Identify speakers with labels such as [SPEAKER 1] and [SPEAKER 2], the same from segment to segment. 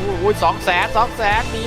[SPEAKER 1] อุ้ย200,000หนี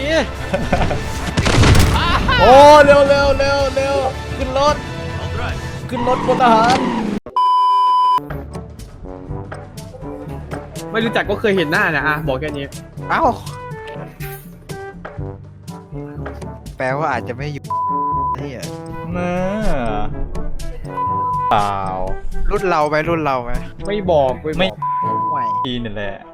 [SPEAKER 2] โอ้เร็วขึ้นรถพลทหาร
[SPEAKER 3] ไม่รู้จักก็เคยเห็นหน้านะอะบอกแค่นี้
[SPEAKER 1] เอ้าแปลว่าอาจจะไม่อยู่นี่อ่ะ
[SPEAKER 2] น่าเปล่า
[SPEAKER 1] รุ่นเราไหม
[SPEAKER 3] ไม่บอกไม่
[SPEAKER 1] ไม่
[SPEAKER 2] ทีนี่แหละ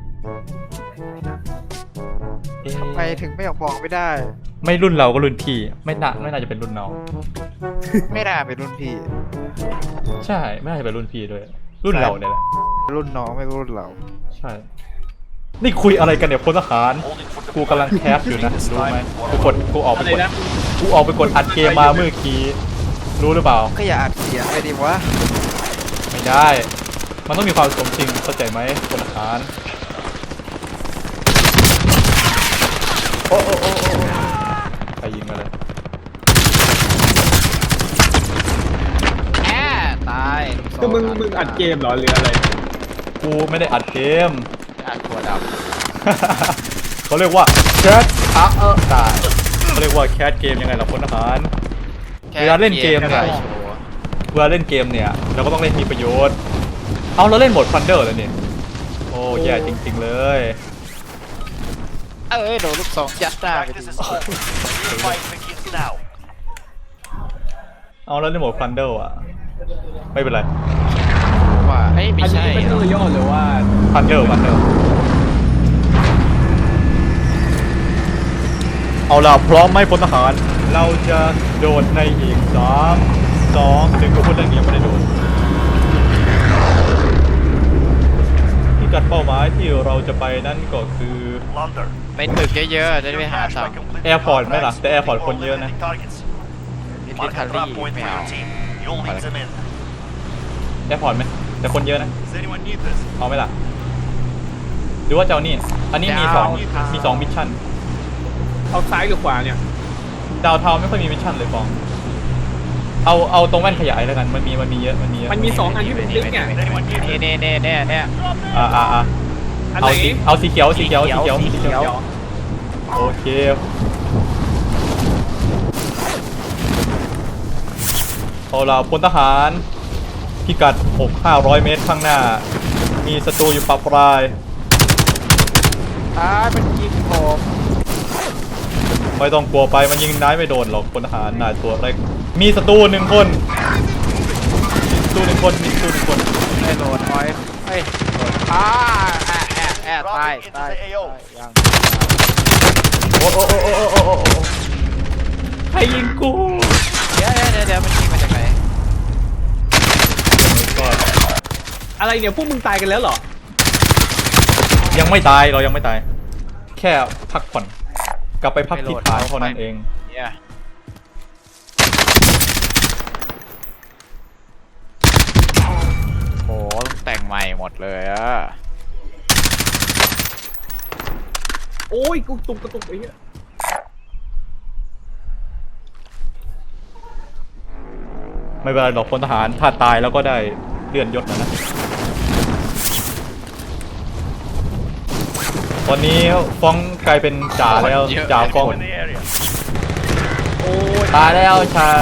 [SPEAKER 2] เอ๊ะ
[SPEAKER 1] ทำไมถึงไม่ออกบอกไม่ได้
[SPEAKER 2] ไม่รุ่นเราก็รุ่นพี่ไม่น่าจะเป็นรุ่นน้อง
[SPEAKER 1] ไม่น่าเป็นรุ่นพี่
[SPEAKER 2] ใช่ไม่น่าจะเป็นรุ่นพี่ด้วยรุ่นเราเนี่ยแหละ
[SPEAKER 1] รุ่นน้องไม่รุ่นเรา
[SPEAKER 2] ใช่นี่คุยอะไรกันเนี่ยพลทหารกูกำลังแคสอยู่นะรู้ไหมกูออกไป
[SPEAKER 3] อะไร
[SPEAKER 2] กด
[SPEAKER 3] นะ
[SPEAKER 2] อัดเกมมาเมื่อกี้รู้หรือเปล่า
[SPEAKER 1] ก็อย่าอัดเสียงไปดิวะ
[SPEAKER 2] ไม่ได้ มันต้องมีความสมจริงเข้าใจไหมพลทหารโอ้ใครยิงมาเลย
[SPEAKER 1] ตาย
[SPEAKER 3] คือมึงอัดเกมเหรอหรืออะไร
[SPEAKER 2] กูไม่ได้อัดเกม
[SPEAKER 1] อัดตัวด
[SPEAKER 2] เขาเรียกว่าแคสตายเขาเรียกว่าแคสเกมยังไงล่ะพลทหาร
[SPEAKER 1] ำ
[SPEAKER 2] เวลาเล่นเกมเนี่ย เวลาเล่นเกมเนี่ยเราก็ต้องเล่นมีประโยชน์เอาเราเล่นโหมดฟันเดอร์แล้วเนี่ยโอ้แย่จริงๆเลย
[SPEAKER 1] โดนลูกสองยัดหน้าไปดิ
[SPEAKER 2] เอาแล้วเล่นโหมดฟันเดอร์อ่ะไม่เป็นไร
[SPEAKER 1] ว่าไม่
[SPEAKER 3] อัน
[SPEAKER 1] ใช่
[SPEAKER 3] นี้เป็นเรื่องย่อหรือว่า
[SPEAKER 2] ฟันเดอร์เอาล่ะพร้อมไหมพลทหารเราจะโดดในอีก3 2 1ก็พูดเรื่องนี้ยังไม่ได้โดดพิกัดเป้าหมายที่เราจะไปนั่นก็คือ
[SPEAKER 1] ไปตึกเยอะๆจะได้ไปหาตังค์
[SPEAKER 2] แอร์พอร์ตไหมล่ะแต่แอร์พอร์ตคนเยอะนะ
[SPEAKER 1] มิลิทารี่ไม่เอา
[SPEAKER 2] แอร์พอร์ตไหมแต่คนเยอะนะเอาไหมล่ะหรือว่าจะเอานี่อันนี้มี2มิชชั่น
[SPEAKER 3] เอาซ้ายหรือขวาเนี่ย
[SPEAKER 2] ดาวเทาไม่ค่อยมีมิชชั่นเลยฟองเอาตรงแว่นขยายแล้วกันมันมีเยอะมันมี
[SPEAKER 3] 2 อันที่เป็นลิงก์เนี่ย
[SPEAKER 1] เนี่ย
[SPEAKER 3] อันไหน
[SPEAKER 2] เอาสีเขียวโอเคเอาล่ะพลทหารพิกัด500 เมตรข้างหน้ามีศัตรูอยู่ปะปลาย
[SPEAKER 1] มันยิงผม
[SPEAKER 2] ไม่ต้องกลัวไปมันยิงนายไม่โดนหรอกพลทหารนายตัวเล็กมีศัตรู1 คน
[SPEAKER 1] ไม่โดนอ้อยเฮ้ยตายยัง
[SPEAKER 2] โอ้ใครยิงกู
[SPEAKER 1] เดี๋ยวมันยิงมาจากไหน
[SPEAKER 3] อะไรเนี่ยพวกมึงตายกันแล้วเหรอ
[SPEAKER 2] ยังไม่ตายเรายังไม่ตายแค่พักผ่อนกลับไปพักที่ฐานเท่านั้นเอง
[SPEAKER 1] เนี่ยโหแต่งใหม่หมดเลยอะ
[SPEAKER 3] โอ้ยกูกระตุกไอ้เหี้ย
[SPEAKER 2] ไม่เป็นไรหรอกพลทหารถ้าตายแล้วก็ได้เลื่อนยศนะตอนนี้ฟ้องกลายเป็นจ่าแล้วจ่าฟ้อง
[SPEAKER 3] โอ้ย
[SPEAKER 2] ตายแล้วชาย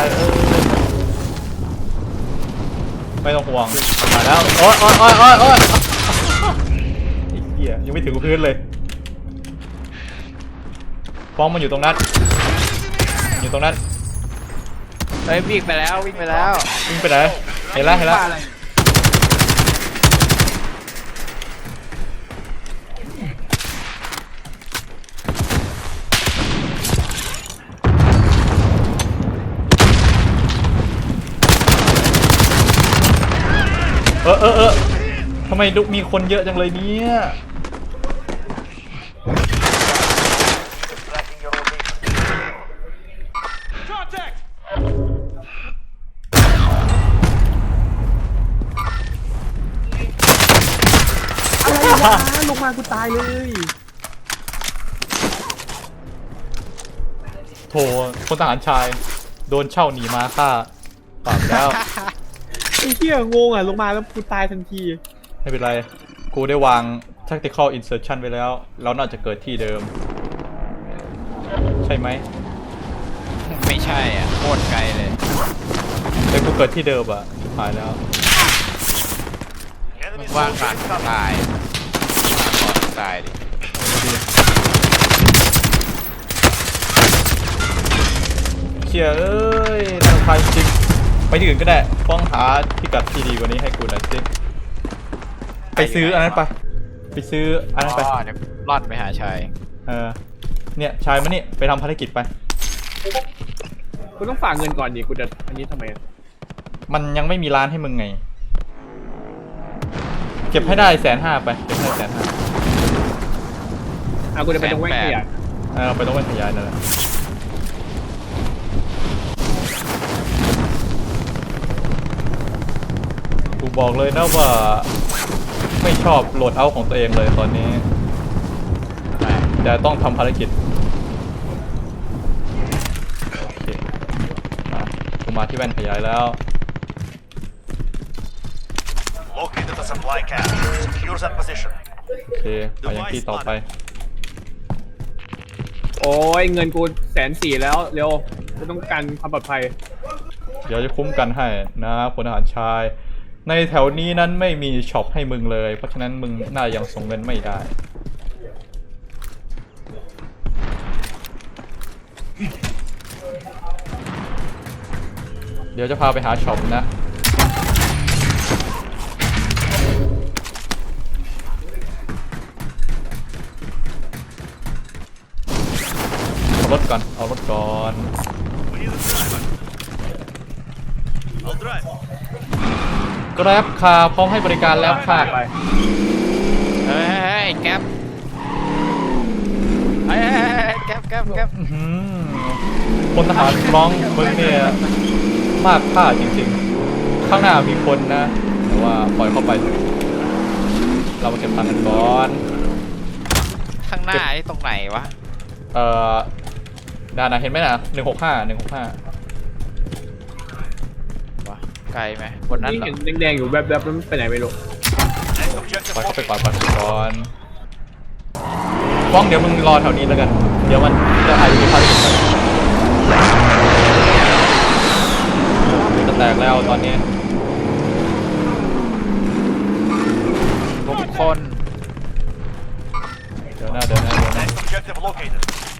[SPEAKER 2] ไม่ต้องห่วงมาแล้วโอ๊ยไอ้เหี้ยยังไม่ถึงพื้นเลยฟ้องมันอยู่ตรงนั้น
[SPEAKER 1] เฮ้ยวิ่งไปแล้ว
[SPEAKER 2] วิ่งไปไหนเห็นแล้ว
[SPEAKER 3] อะไร
[SPEAKER 2] ทำไมดุมีคนเยอะจังเลยเนี่ย
[SPEAKER 3] ลงมากูตายเลย
[SPEAKER 2] โถพลทหารชายโดนเช่าหนีมาฆ่าปราบแล้ว
[SPEAKER 3] ไอ้เหี้ยงงอ่ะลงมาแล้วกูตายทันที
[SPEAKER 2] ไม่เป็นไรกูได้วาง tactical insertion ไปแล้ว เราน่าจะเกิดที่เดิม ใช่ไหม
[SPEAKER 4] ไม่ใช่อ่ะโคตรไกลเลย
[SPEAKER 2] แต่กูเกิดที่เดิมอ่ะหายแล้ว
[SPEAKER 4] มึงว่างก่อนตายก่อนตายดิ
[SPEAKER 2] เชี่ยเอ้ยน่ารำคาญจริงไปที่อื่นก็ได้ฟ้องหาพิกัดที่ดีกว่านี้ให้กูหน่อยสิไปซื้ออันนั้นไปซื้ออันนั้นไป
[SPEAKER 4] อ๋อเดี๋ยวร่อนไปหาชาย
[SPEAKER 2] เนี่ยชายมานี่ไปทำภารกิจไป
[SPEAKER 3] กูต้องฝากเงินก่อนดิกูจะอันนี้ทำไมอะ
[SPEAKER 2] มันยังไม่มีร้านให้มึงไง เก็บให้ได้150,000ไปเก็บให้150,000
[SPEAKER 3] กูจะไปตรงแว่นขยะ
[SPEAKER 2] ไปต้องเป็นขยายนั่นแหละกูบอกเลยนะว่าไม่ชอบโหลดเอาท์ของตัวเองเลยตอนนี้แต่ต้องทำภารกิจโอเคกูมาที่แว่นขยายแล้ว
[SPEAKER 5] Located the supply cache. Secure that position.
[SPEAKER 2] โอเคไปยังที่ต่อไป
[SPEAKER 3] โอ้ยเงินกู140,000แล้วเร็วกูต้องการความปลอดภัย
[SPEAKER 2] เดี๋ยวจะคุ้มกันให้นะพลทหารชาย ในแถวนี้นั้นไม่มีช็อปให้มึงเลย เพราะฉะนั้นมึงน่ายังส่งเงินไม่ได้ เดี๋ยวจะพาไปหาช็อปนะ เอารถก่อน เอารถก่อน
[SPEAKER 5] We need a driver. I'll drive.
[SPEAKER 2] กราฟคาร์พร้อมให้บริการแล้วค่ะ
[SPEAKER 3] ไป
[SPEAKER 4] เฮ้ยแก๊ปเฮ้ยแก๊ป
[SPEAKER 2] อื้อหือพลทหารร้องมึงเนี่ยมากค่าจริงๆ ข้างหน้ามีคนนะ แต่ว่าปล่อยเข้าไปเถอะเรามาเก็บตังค์กันก่อน
[SPEAKER 4] ข้างหน้าไอ้ตรงไหนวะ
[SPEAKER 2] ดานะเห็นไหมนะ165
[SPEAKER 4] วะไกลไหมบนนั้น
[SPEAKER 3] นี่
[SPEAKER 4] เหรอ
[SPEAKER 3] เห็นแดงๆอยู่แวบๆแล้วมันไปไหนไม่รู้
[SPEAKER 5] Next objective
[SPEAKER 2] ปล่อยเข้าไปก่อน
[SPEAKER 5] located.
[SPEAKER 2] ปล่อยเข้าไปก่อนฟ้องเดี๋ยวมึงรอแถวนี้แล้วกัน เดี๋ยวมันจะอาจจะมีภารกิจจะแตกแล้วตอนนี้
[SPEAKER 4] ทุกคน
[SPEAKER 2] เดี๋ยวหน้า
[SPEAKER 5] Next objective located.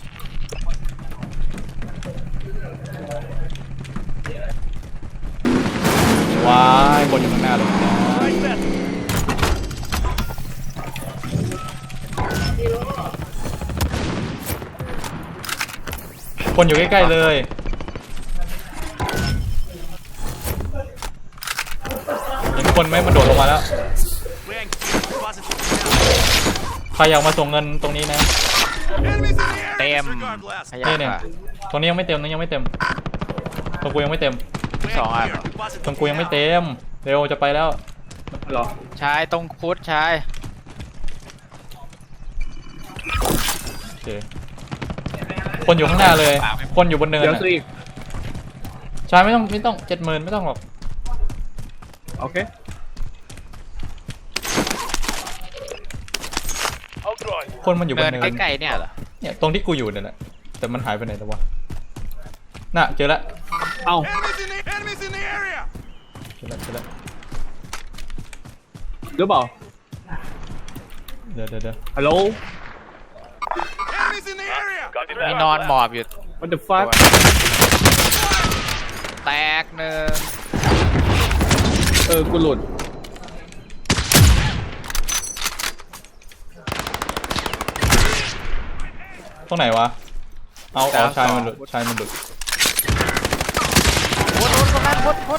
[SPEAKER 2] ว้ายคนอยู่ข้างหน้าเลยนะ
[SPEAKER 5] Right then.
[SPEAKER 2] คนอยู่ใกล้ๆเลยเห็นคนไหมมันโดดลงมาแล้ว
[SPEAKER 5] We're engaged. Positive.
[SPEAKER 2] ใครอยากมาส่งเงินตรงนี้นะ
[SPEAKER 5] Enemies in the area.
[SPEAKER 4] เต็ม
[SPEAKER 5] Disregard last.
[SPEAKER 4] ขยะ
[SPEAKER 2] เนี่ย
[SPEAKER 4] ค่ะ
[SPEAKER 2] ตรงนี้ยังไม่เต็มยังไม่เต็มตรงกูยังไม่เต็ม
[SPEAKER 5] We're
[SPEAKER 4] Song
[SPEAKER 5] clear.
[SPEAKER 4] Iron.
[SPEAKER 5] Positive
[SPEAKER 2] ตรงกูยังไม่
[SPEAKER 5] now.
[SPEAKER 2] เต็มเร็วจะไปแล้ว
[SPEAKER 3] เหรอ
[SPEAKER 4] ชายตรงพุทธชาย
[SPEAKER 2] โอเคคนอยู่ข้างหน้าเลย คนอยู่บนเนิน
[SPEAKER 3] เดี๋ยว
[SPEAKER 2] อะ
[SPEAKER 3] ซื้ออีก
[SPEAKER 2] ใช่ไม่ต้อง70,000ไม่ต้องหรอก
[SPEAKER 3] โอเค
[SPEAKER 5] I'll drive.
[SPEAKER 2] คนมันอยู่บ
[SPEAKER 4] เดิ
[SPEAKER 2] น
[SPEAKER 4] น
[SPEAKER 2] เนิน
[SPEAKER 4] ใกล้ๆเนี่ยเหรอ
[SPEAKER 2] เนี่ยตรงที่กูอยู่เนี่ยแหละแต่มันหายไปไหนแล้ววะน่ะเจอละ
[SPEAKER 3] เอ้า
[SPEAKER 5] Enemies in the area.
[SPEAKER 2] เจอละ
[SPEAKER 3] หรือเปล่า
[SPEAKER 2] เดี๋ยว
[SPEAKER 3] ฮัลโหล
[SPEAKER 5] Enemies in the area.
[SPEAKER 4] มีนอนหมอบอยู่
[SPEAKER 3] what the fuck
[SPEAKER 4] แตกหนึ่ง
[SPEAKER 3] กูหลุด
[SPEAKER 2] ตรงไหนวะเอาชายมันหลุด
[SPEAKER 4] พุทธตรงนั้นพุทธ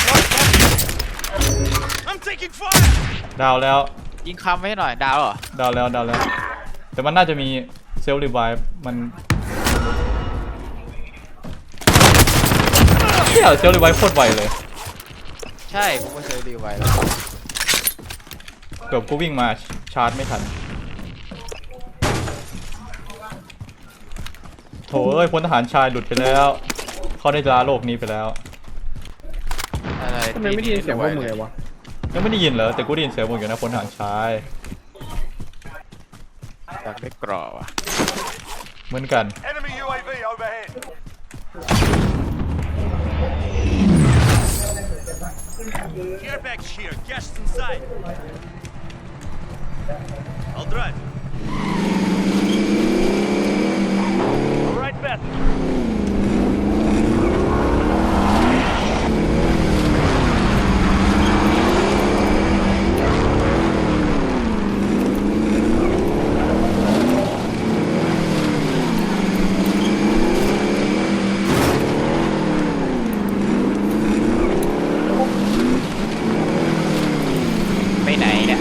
[SPEAKER 5] I'm taking fire.
[SPEAKER 2] ดาวแล้ว
[SPEAKER 4] ยิงคำไว้ให้หน่อยดาวเหรอ
[SPEAKER 2] ดาวแล้วแต่มันน่าจะมีเซลล์รีไวฟ์มันเที่ยเซลล์รีไวฟ์โคตรไวเลย
[SPEAKER 4] ใช่ผมก็เคยรีไว้แล้ว
[SPEAKER 2] เกือบกูวิ่งมาชาร์จไม่ทันโถเอ้ยพลทหารชายหลุดไปแล้วเขาได้ลาโลกนี้ไปแล้ว
[SPEAKER 4] อะไร
[SPEAKER 3] ทำไมไม่ได้ยินเสียงพวกมึงเลยวะ
[SPEAKER 2] ยังไม่ได้ยินเหรอแต่กูได้ยินเสียงมึงอยู่นะพลทหารชาย
[SPEAKER 4] อยากได้กรอบอ่ะ
[SPEAKER 2] เหมือนกัน
[SPEAKER 5] Enemy UAV overhead. Care package here. Gas inside. I'll drive. All right, Beth.
[SPEAKER 4] ไปไหนเนี่ย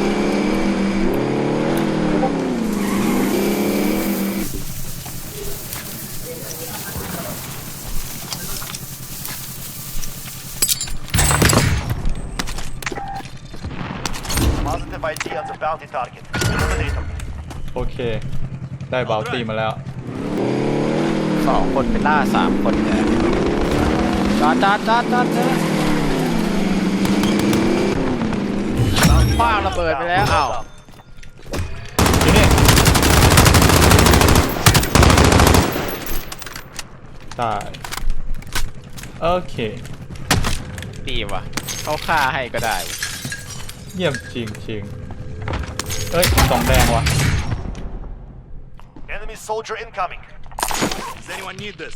[SPEAKER 5] Positive ID on the bounty target. Eliminate them.
[SPEAKER 2] โอเค ได้บาวตี้มาแล้ว
[SPEAKER 4] 2 คนไปล่า 3 คนเนี่ยจอดคว้างระเบิดไปแล้วอ้าว
[SPEAKER 2] อยู่นี่ตายโอเค
[SPEAKER 4] ดีว่ะเขาฆ่าให้ก็ได้
[SPEAKER 2] เยี่ยมจริงเอ้ยสองแดงว่ะ
[SPEAKER 5] Enemy soldier incoming. Does anyone need this?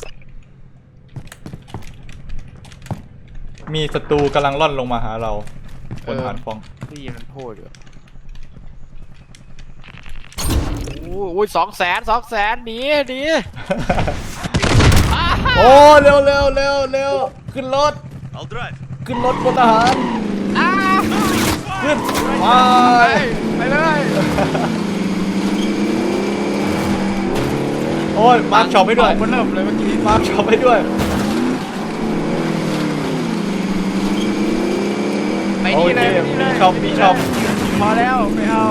[SPEAKER 2] มีศัตรูกำลังล่อนลงมาหาเราบนฐานฟอง
[SPEAKER 4] ได้ยินมันพูดอยู่โอ้ย200,000หนี
[SPEAKER 2] โอ้เร็วขึ้นรถ
[SPEAKER 5] I'll drive.
[SPEAKER 2] ขึ้นรถบนทหารขึ้นไป
[SPEAKER 4] เลย
[SPEAKER 2] โอ้ยมาร์คช็อปให้ด้วย
[SPEAKER 4] มันเริ่มเลยเมื่อกี้
[SPEAKER 2] มาร์คช็อปให้ด้วย
[SPEAKER 4] ไป
[SPEAKER 2] โอ
[SPEAKER 4] นี่
[SPEAKER 2] เค
[SPEAKER 4] เลย
[SPEAKER 2] มีช็อป
[SPEAKER 4] พอแล้วไม่เอา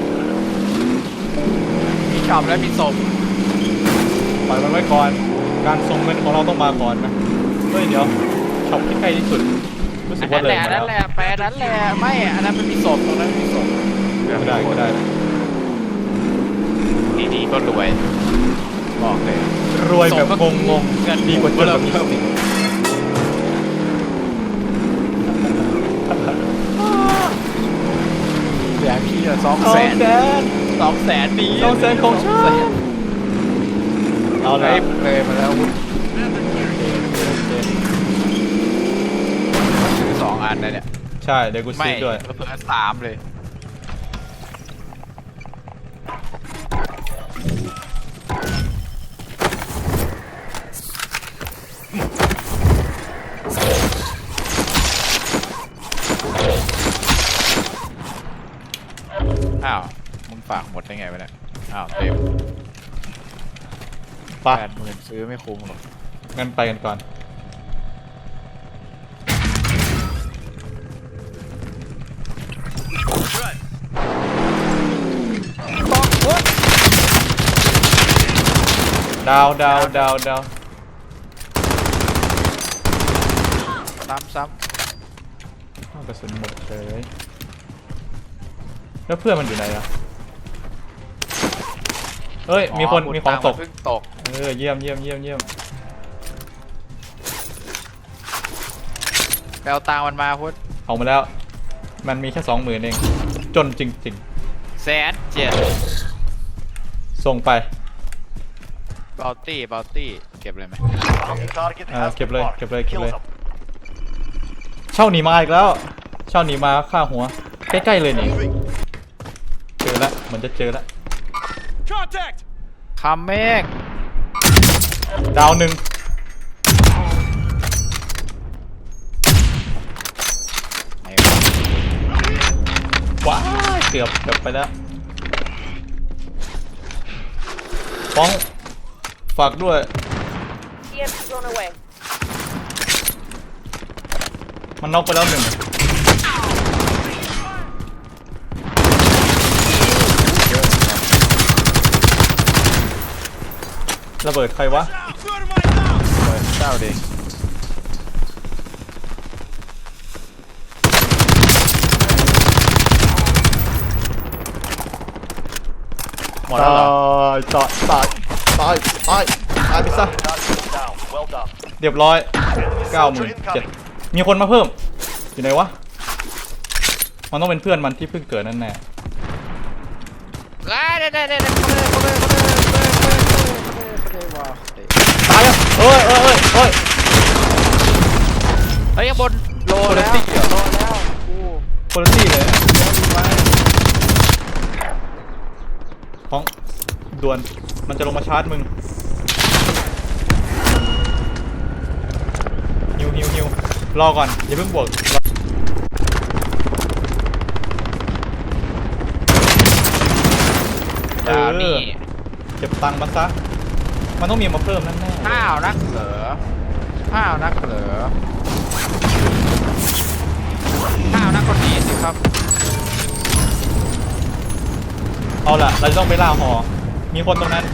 [SPEAKER 4] มีช็อปแล้วมีศพ
[SPEAKER 2] ปล่อยมันไว้ก่อน การส่งเงินของเราต้องมาก่อนนะเฮ้ยเดี๋ยวช็อปที่ใกล้ที่สุดรู้สึกว่าเลยมา
[SPEAKER 4] นั่
[SPEAKER 2] แล้
[SPEAKER 4] น
[SPEAKER 2] ว
[SPEAKER 4] แหละไปนั่นแหละไม่อันนั้นมันมีศพตรงนั้นมีศพ
[SPEAKER 2] ก็ได้
[SPEAKER 4] ดีๆก็รวยบอกเลย
[SPEAKER 2] รวยแบบงง
[SPEAKER 4] เงิน
[SPEAKER 2] ๆดีกว่าจนแบบ
[SPEAKER 4] เพิ่มอีก เดี๋ยวพี่200,000 200,000ดี
[SPEAKER 2] 200,000ของฉันเอาเลย
[SPEAKER 4] เลยมาแล้วซื้อ2 อันนะเนี่ย
[SPEAKER 2] ใช่เดี๋ยวกู
[SPEAKER 4] ไม่
[SPEAKER 2] ซื้อด้วย
[SPEAKER 4] เพิ่ม3เลยอ้าวมึงฝากหมดได้ไงวะเนี่ยอ้าวเต็ม
[SPEAKER 2] ไป
[SPEAKER 4] 80,000ซื้อไม่คุ้มหรอก
[SPEAKER 2] งั้นไปกันก่อน
[SPEAKER 5] Drive.
[SPEAKER 2] ดาว
[SPEAKER 4] ซ้ำ
[SPEAKER 2] เอากระสุนหมดเลยแล้วเพื่อนมันอยู่ไหนอะเฮ้ย มีคนมีของตก
[SPEAKER 4] เพิ่งตก
[SPEAKER 2] เยี่ยม
[SPEAKER 4] ไปเอาตังค์มันมาพุทธ
[SPEAKER 2] เอามาแล้ว มันมีแค่ 20,000 เอง จนจริง
[SPEAKER 4] 107,000
[SPEAKER 2] ๆ ส่งไป
[SPEAKER 4] บาวตี้เก็บเลยไหม
[SPEAKER 5] Bounty target has been
[SPEAKER 2] เก็บเลย
[SPEAKER 5] marked.
[SPEAKER 2] เก็บเลย
[SPEAKER 5] Kill them.
[SPEAKER 2] เช่าหนีมาอีกแล้ว เช่าหนีมาฆ่าหัว ใกล้ๆเลยนี่ เจอแล้วเหมือนจะเจอแล้ว
[SPEAKER 5] Contact.
[SPEAKER 4] คัมเมก
[SPEAKER 2] ดาวหนึ่งว้ายเกือบไปแล้วฟ้องฝากด้วย
[SPEAKER 6] EMP blown away.
[SPEAKER 2] มันน็อกไปแล้วหนึ่งระเบิดใครวะ
[SPEAKER 4] เจ้าดิหมดแล้วเหรอ
[SPEAKER 2] ตายไปซะ
[SPEAKER 5] Down. Well done.
[SPEAKER 2] เรียบร้อย
[SPEAKER 5] Enemy soldier incoming.
[SPEAKER 2] 97,000มีคนมาเพิ่มอยู่ไหนวะมันต้องเป็นเพื่อนมันที่เพิ่งเกิดนั่นแน่ตายแล้วเอ้ย
[SPEAKER 4] เฮ้ยยังบนโล
[SPEAKER 2] คน
[SPEAKER 4] แล้
[SPEAKER 2] ละ
[SPEAKER 4] ว
[SPEAKER 2] ตี้เหรอ
[SPEAKER 4] โลแล้วกู
[SPEAKER 2] คนละตี้เลยฟ้องด่วนมันจะลงมาชาร์จมึงฮิวรอก่อนอย่าเพิ่งบวก
[SPEAKER 4] ดาวนี่
[SPEAKER 2] เก็บตังค์มาซะมันต้องมีมาเพิ่มแน่ๆ
[SPEAKER 4] ห้าวนักเหรอห้าวนักเหรอห้าวนักคนนี้สิครับ
[SPEAKER 2] เอาล่ะเราจะต้องไปล่าหอมีคนตรงนั้น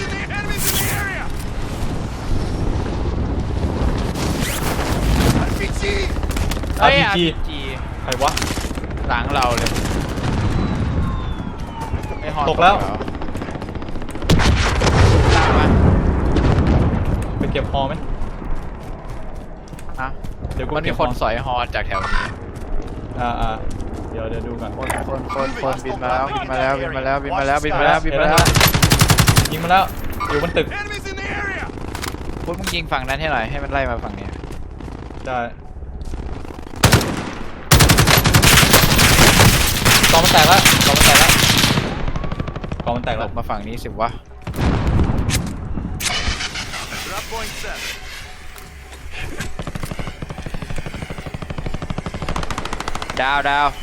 [SPEAKER 4] เฮ้ย
[SPEAKER 2] RPG
[SPEAKER 4] RPG
[SPEAKER 2] ใครวะ
[SPEAKER 4] หลังเราเลยไอ้ฮอน
[SPEAKER 2] ตกแล้ว
[SPEAKER 4] เหรอตามมา
[SPEAKER 2] ไปเก็บฮอไหม
[SPEAKER 4] ฮะ
[SPEAKER 2] เดี๋ยวกู
[SPEAKER 4] มันมี
[SPEAKER 2] เก็บ
[SPEAKER 4] คนสอยฮอจากแถวนี้
[SPEAKER 2] เดี๋ยวดูก่อน
[SPEAKER 4] คนบินมาแล้วบินมาแล้วบินมาแล้วบินมาแล้วบินมาแล้วบินมาแล้ว
[SPEAKER 2] ยิงมาแล้วอยู่บนตึก
[SPEAKER 5] Enemies in the area.
[SPEAKER 4] พูดมึงยิงฝั่งนั้นให้หน่อยให้มันไล่มาฝั่งนี้
[SPEAKER 2] ได้กองมันแตกแล้วกองมันแตกแล้ว
[SPEAKER 4] หล
[SPEAKER 2] แล้ว
[SPEAKER 4] บมาฝั่งนี้สิวะ
[SPEAKER 5] Drop point set.
[SPEAKER 4] ดาว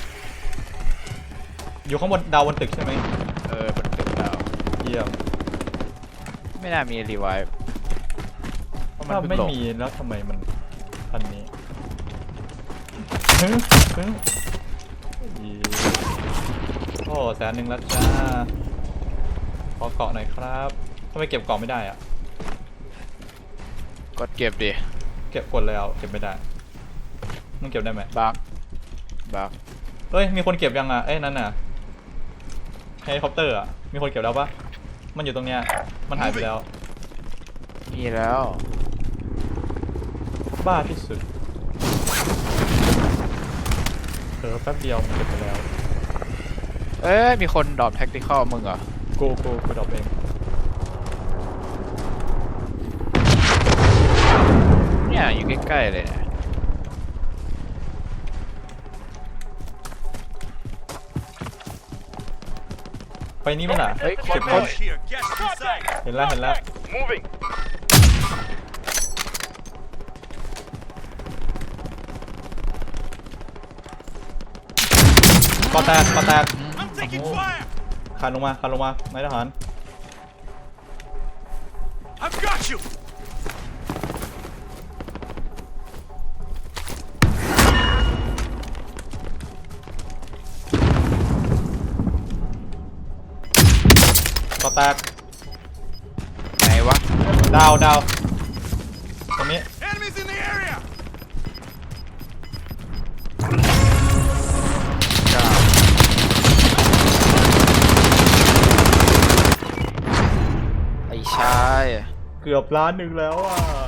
[SPEAKER 2] อยู่ข้างบนดาวบนตึกใช่ไหม
[SPEAKER 4] บนตึกดาว
[SPEAKER 2] เยี่ยม
[SPEAKER 4] ไม่น่ามีรีไวฟ์เพราะมัน
[SPEAKER 2] ถ้า
[SPEAKER 4] เพิ่ง
[SPEAKER 2] ไม่
[SPEAKER 4] ลง
[SPEAKER 2] มีแล้วทำไมมันอันนี้โอ้100,000แล้วจ้าขอเกาะหน่อยครับทำไมเก็บเกาะไม่ได้อะ
[SPEAKER 4] กดเก็บดิ
[SPEAKER 2] เก็บกดแล้วเก็บไม่ได้มึงเก็บได้ไหม
[SPEAKER 4] บัก
[SPEAKER 2] เฮ้ยมีคนเก็บยังอ่ะเอ้ยนั่นน่ะเฮลิคอปเตอร์อ่ะมีคนเก็บแล้วปะมันอยู่ตรงเนี้ยมันหายไปแล้ว
[SPEAKER 4] มีแล้ว
[SPEAKER 2] บ้าที่สุดแป๊บเดียวเก็บไปแล้ว
[SPEAKER 4] มีคนดรอปแท็กติคอลมึงเหรอ
[SPEAKER 2] กูดรอปเอง
[SPEAKER 4] เนี่ยอยู่ใกล้ๆเลยเนี่ย
[SPEAKER 2] ไปนี่มั้ยล่ะ
[SPEAKER 4] เฮ้ยค
[SPEAKER 2] เก็
[SPEAKER 4] น
[SPEAKER 2] บ
[SPEAKER 4] ค
[SPEAKER 2] คน
[SPEAKER 4] น
[SPEAKER 5] Here. Get inside.
[SPEAKER 2] เห็นแล้ว
[SPEAKER 5] Moving.
[SPEAKER 2] ก่อแตก
[SPEAKER 5] I'm taking fire.
[SPEAKER 2] ขันลงมานายทหาร
[SPEAKER 5] I've got you.
[SPEAKER 2] ก่อแตก
[SPEAKER 4] ไหนวะ
[SPEAKER 2] ดาวตรงนี้
[SPEAKER 5] Enemies in the area.
[SPEAKER 4] ไอ้ชาย
[SPEAKER 2] เกือบ1,000,000แล้วอ่ะ